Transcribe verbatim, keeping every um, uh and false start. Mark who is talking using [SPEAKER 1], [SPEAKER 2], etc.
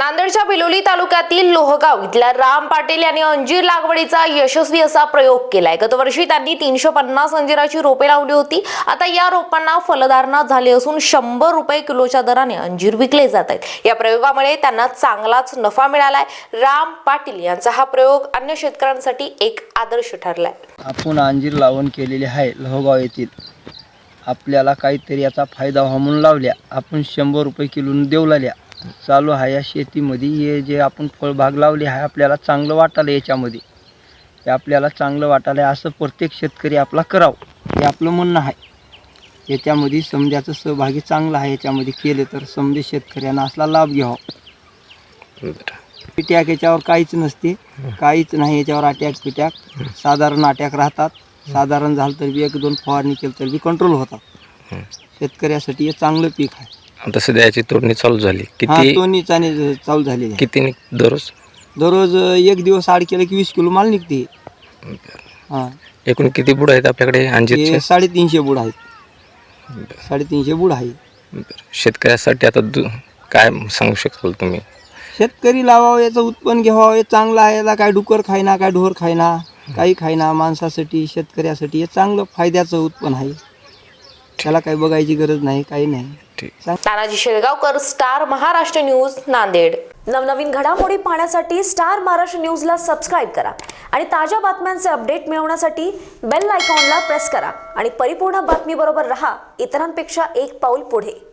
[SPEAKER 1] नांदेडच्या बिलोली तालुक्यातील लोहगाव इथल्या राम पाटील यांनी अंजीर लागवडीचा यशस्वी असा प्रयोग केलाय। गतवर्षी त्यांनी तीनशे पन्नास अंजिराची रोपे लावली होती। आता या रोपांना फलधारणा झाली असून शंभर रुपये किलोच्या दराने अंजीर विकले जात आहेत। या प्रयोगामुळे त्यांना चांगलाच नफा मिळालाय। राम पाटील यांचा हा प्रयोग अन्य शेतकऱ्यांसाठी एक आदर्श ठरलाय।
[SPEAKER 2] आपण अंजीर लावण केलेले आहे लोहगाव येथील। आपल्याला काहीतरी याचा फायदा व्हावा म्हणून लावल्या। आपण शंभर रुपये किलोने देऊ लागल्या। चालू आहे या शेतीमध्ये हे जे आपण फळबाग लावली आहे आपल्याला चांगलं वाटायला याच्यामध्ये हे आपल्याला चांगलं वाटायला असं प्रत्येक शेतकरी आपला करावं हे आपलं म्हणणं आहे। याच्यामध्ये समजाचं सहभागी चांगला आहे। याच्यामध्ये केले तर समजे शेतकऱ्यांना असला लाभ घ्यावा। पिट्याक याच्यावर काहीच नसते, काहीच नाही याच्यावर अटॅक पिट्याक साधारण अटॅक राहतात। साधारण झालं तर बी एक दोन फवारणी केली तर बी कंट्रोल होतात। शेतकऱ्यासाठी हे चांगलं पीक आहे।
[SPEAKER 3] आता सध्या याची तोडणी चालू झाली।
[SPEAKER 2] हा
[SPEAKER 3] किती
[SPEAKER 2] तोडणी चालू चालू झाली आहे।
[SPEAKER 3] किती निघ दररोज
[SPEAKER 2] दररोज एक दिवस आड केलं की वीस किलो माल निघते। हां
[SPEAKER 3] एकूण किती बुड आहेत आपल्याकडे अंजीरचे?
[SPEAKER 2] हे साडेतीनशे बुड आहेत। साडेतीनशे बुड आहे।
[SPEAKER 3] शेतकऱ्यासाठी आता दु- काय सांगू शकाल तुम्ही?
[SPEAKER 2] शेतकरी लावावं, याचं उत्पन्न घ्यावं, हे चांगलं आहे। याला काय डुकर खायना, काय ढोर खायना, काही खायना। माणसासाठी शेतकऱ्यासाठी हे चांगलं फायद्याचं उत्पन्न आहे। त्याला काही बघायची गरज नाही, काही नाही।
[SPEAKER 1] Tanaji Shelgaonkar, star Maharashtra news, Nanded.
[SPEAKER 4] नवनवीन घडामोडी पाहण्यासाठी स्टार महाराष्ट्र न्यूजला सबस्क्राईब करा आणि ताज्या बातम्यांचे अपडेट मिळवण्यासाठी बेल आयकॉनला प्रेस करा आणि परिपूर्ण बातमीबरोबर रहा, इतरांपेक्षा एक पाऊल पुढे।